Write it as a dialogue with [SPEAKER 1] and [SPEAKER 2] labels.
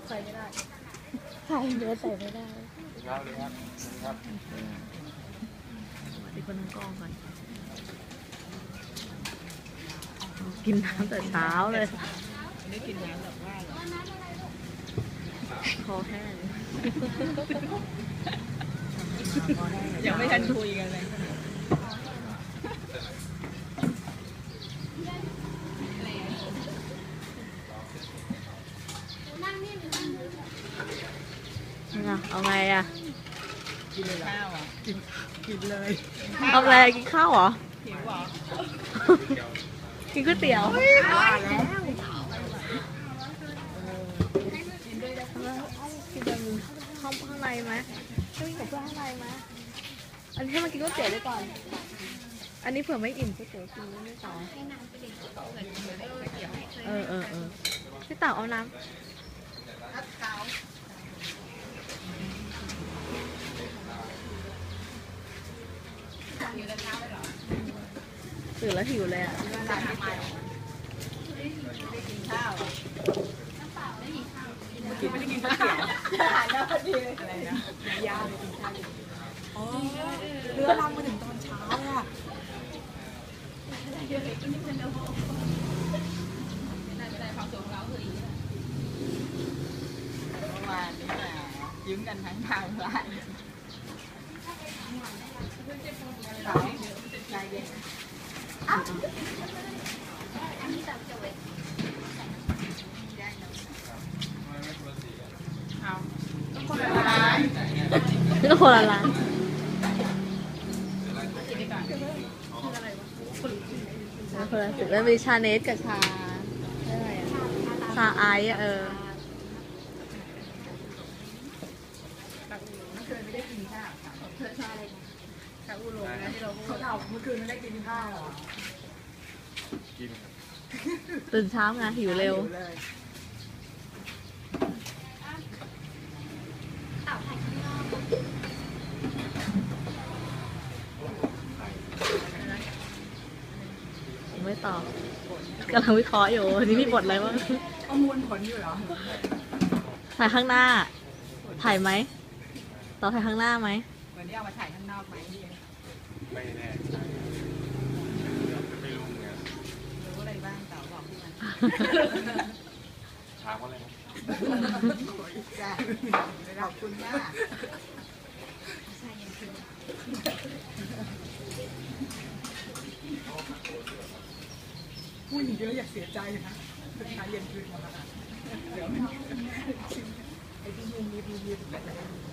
[SPEAKER 1] ใส่ไม่ได้
[SPEAKER 2] ใส่เนื้อใส่ไม่ได้
[SPEAKER 3] ครับเลยครับครับ
[SPEAKER 2] ที่คนนั่งกองก่อนกินน้ำแต่เช้าเลย
[SPEAKER 1] ไม่กินน้ำแบบว่าหรอ
[SPEAKER 2] คอแห้ง
[SPEAKER 1] ยังไม่ทันคุยกันเลย
[SPEAKER 2] เอาไงอ่ะ
[SPEAKER 1] กินข้าวอ่ะกินเลย
[SPEAKER 2] เอาอะไรกินข้าวเหรอ
[SPEAKER 1] หิวเหรอ
[SPEAKER 2] กินก๋วยเตี๋ยว
[SPEAKER 1] ว่าแล้ว
[SPEAKER 2] กินแบบข้างในไหมช่วยกับเพื่อนข้างในไหมอันนี้ให้มันกินก๋วยเตี๋ยวได้ก่อนอันนี้เผื่อไม่อิ่มก๋วยเตี๋ยวกินไม่ต่อพี่เต่าเอาน้ำตื่นแล้วหิวเลยอ่ะ
[SPEAKER 1] กินไม่ได้กินข้าวอาหารแล้วพอดีอะไรนะยาวเลยกินข้าวอ๋อเรือลำมาถึงตอนเช้าอ่ะเมื่อวานนี้มายืมกันทั้งทางร้านใจเย็นเอาคนละร้าน
[SPEAKER 2] ก็คนละร้านคนละสิแล้วมีชาเนสกับชาอะไรอะชาไอซ์
[SPEAKER 1] เมื่อคืนไม่ได้กินข้าวชาอะไรชาอูหลงนะที่เราพูดเขาเมื่อคืนไม่ได้กินข้าวหรอ
[SPEAKER 3] กิน
[SPEAKER 2] ตื่นเช้าไงหิวเร็วไม่ตอบกำลังวิเคราะห์อยู่นี่มีบทอะไรบ้าง
[SPEAKER 1] ประมวลผลอยู่เหรอ
[SPEAKER 2] ถ่ายข้างหน้าถ่ายไหมต่อถ่ายข้างหน้าไหม
[SPEAKER 1] เหมือนที่เอามาถ่ายข้างนอกไหม
[SPEAKER 3] ไม่แน่ไม่รู้ไง
[SPEAKER 1] รู้อะไรบ้างเต่าบอกพี่มัน
[SPEAKER 3] ถามว่าอะไรนะ
[SPEAKER 1] ขอบคุณมากพูดเยอะอยากเสียใจนะเป็นชายเย็นคืนมาเดี๋ยวไอ้ที่ยืน